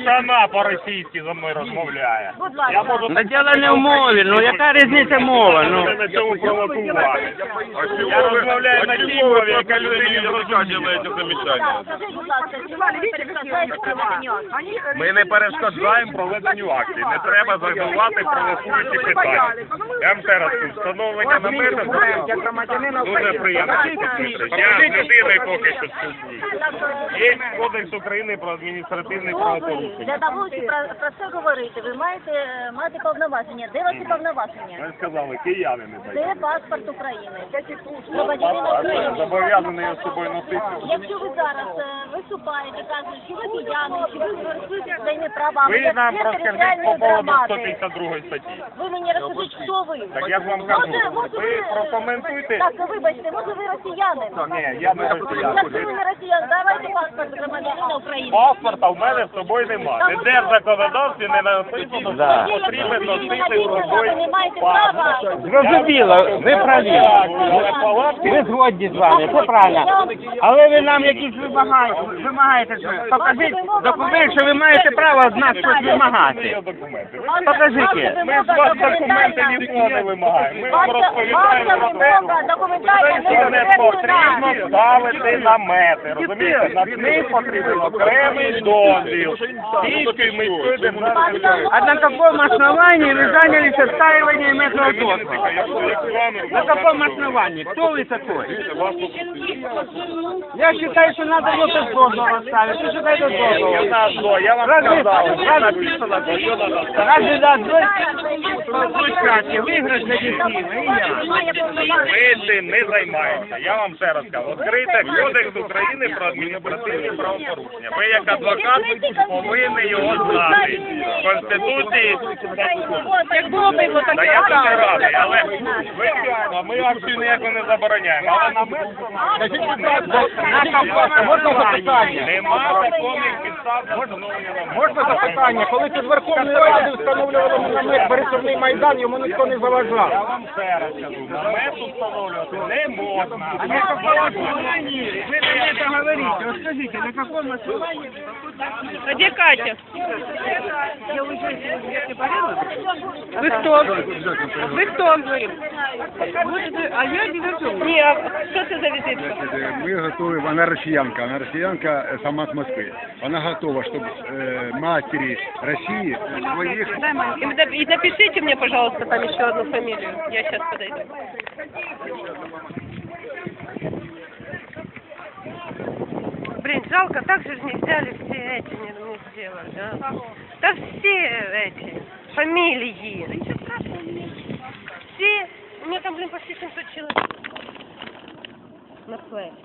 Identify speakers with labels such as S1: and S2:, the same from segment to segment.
S1: пацана по-російськи за мною розмовляє.
S2: Будь ласка.
S1: Я можу...
S3: Та діло не в мові, ну яка різниця мова, ну.
S1: на цьому провокувати. Я розмовляю на тій мові, яка людині зрозуміє.
S2: Скажіть, будь ласка, чи ви перешкоджаєте проведенню акції?
S1: Ми не перешкоджаємо проведенню акції. Не треба задавати провокуючі питання. Я вам ще раз кажу, встановлення намету дуже приємно. Я з людиною поки що спілкуюся. Є Кодекс України про адміністративні правопорушення.
S2: Для того, щоб про це говорити, ви маєте мати повноваження. Де ваші повноваження?
S1: Ви сказали, киянини.
S2: Де паспорт України? Громадянина України.
S1: Зобов'язаний я з собою носити.
S2: Якщо ви зараз виступаєте, кажете, що ви кияни, що ви використовуєте своїми правами,
S1: Ви нам
S2: це
S1: розкажіть
S2: територіальної
S1: по поводу
S2: громади.
S1: 152 статті.
S2: Ви мені розкажіть, хто ви?
S1: Так я ж вам кажу,
S2: Може,
S1: ви прокоментуйте.
S2: Так, вибачте, може ви росіянин?
S1: Ні, я не
S2: Якщо ви
S1: росіянин.
S2: не росіян, давайте паспорт громадянина України.
S1: Паспорта в мене з собою немає. Ніде в законодавстві не написано,
S3: Да.
S1: що потрібно носити з
S2: Ви
S1: собою
S2: не маєте права.
S1: паспорт.
S3: Зрозуміло, ви праві. Ви згодні з вами, це правильно. Але ви нам якісь вимагаєте. Покажіть документ, що ви маєте право з нас щось вимагати. Покажіть.
S1: Ми з вас документи ніхто не вимагаємо. Ми вам розповідаємо про те, що не потрібно ставити намети. Розумієте? На них потрібен окремий дозвіл. Київської міської державної.
S3: А на каком основании вы занялись отстаиванием этого доступа? На каком основании? Кто вы такой? Я считаю, что надо вот этот дозвол оставить. Вы считаете дозвол?
S1: Я вам сказав, що написано, що його треба ставити.
S3: Разве да, выигрыш для детей, и я.
S1: Ми цим не займаємося. Я вам ще раз кажу. Відкрийте Кодекс України про адміністративні правопорушення. Ви як адвокат повинні його знати. В Конституції... Та я дуже радий, але звичайно, ми акцію ніяко не забороняємо. Але на
S3: Можна запитання?
S1: Нема законних підстав для встановлення намету.
S3: Можна запитання? Коли під Верховною Радою встановлювали намет Пересувний Майдан, йому ніхто не
S1: Я
S3: заважав.
S1: вам ще раз кажу, намету встановлювати не можна.
S3: А на каком основании? Вы мне это говорите. Вот скажите, на каком основании?
S4: А где Катя? Вы кто? Вы кто? А я не готова. Нет, что это за визитка?
S5: Ми готові, вона росіянка сама з Москви. Вона готова, щоб матері Росії своїх...
S4: И напишите мне, пожалуйста, там еще одну фамилию. Я сейчас подойду. Блин, жалко, так же не взяли все эти, не сделали, да? Да все эти фамилии. Все. У меня там, блин, почти 700 человек. На флешке.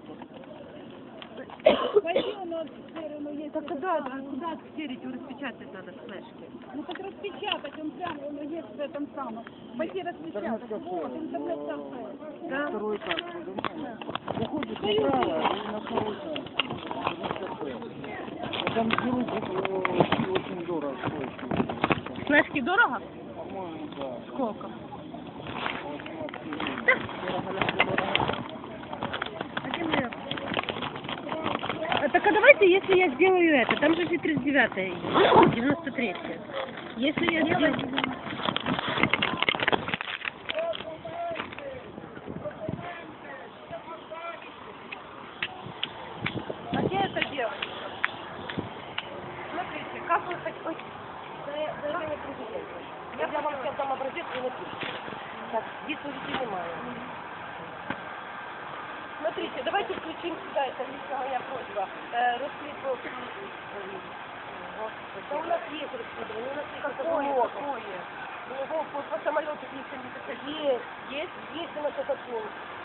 S4: Так куда стереть, распечатать надо с флешки?
S6: Ну так распечатать, он прямо, он есть в этом самом. Пойти распечатать. Вот, интернет-кафе.
S4: Да?
S6: Уходит направо и на второй этаж. Интернет-кафе. Там берут очень дорого стоит.
S4: Флешки дорого?
S6: По-моему, да.
S4: Сколько? Так а давайте, если я сделаю это, там же 39-е, 93-е. Если я сделаю... А где это делать? Смотрите, как вы хотите... Заявление президента. Я вам сейчас дам образец, вы напишите. Так, здесь уже принимаю. Смотрите, давайте включим сюда, это лично моя просьба. Расследование. Да у нас есть расследование, у нас есть какое? По самолету есть. Есть у нас этот пункт.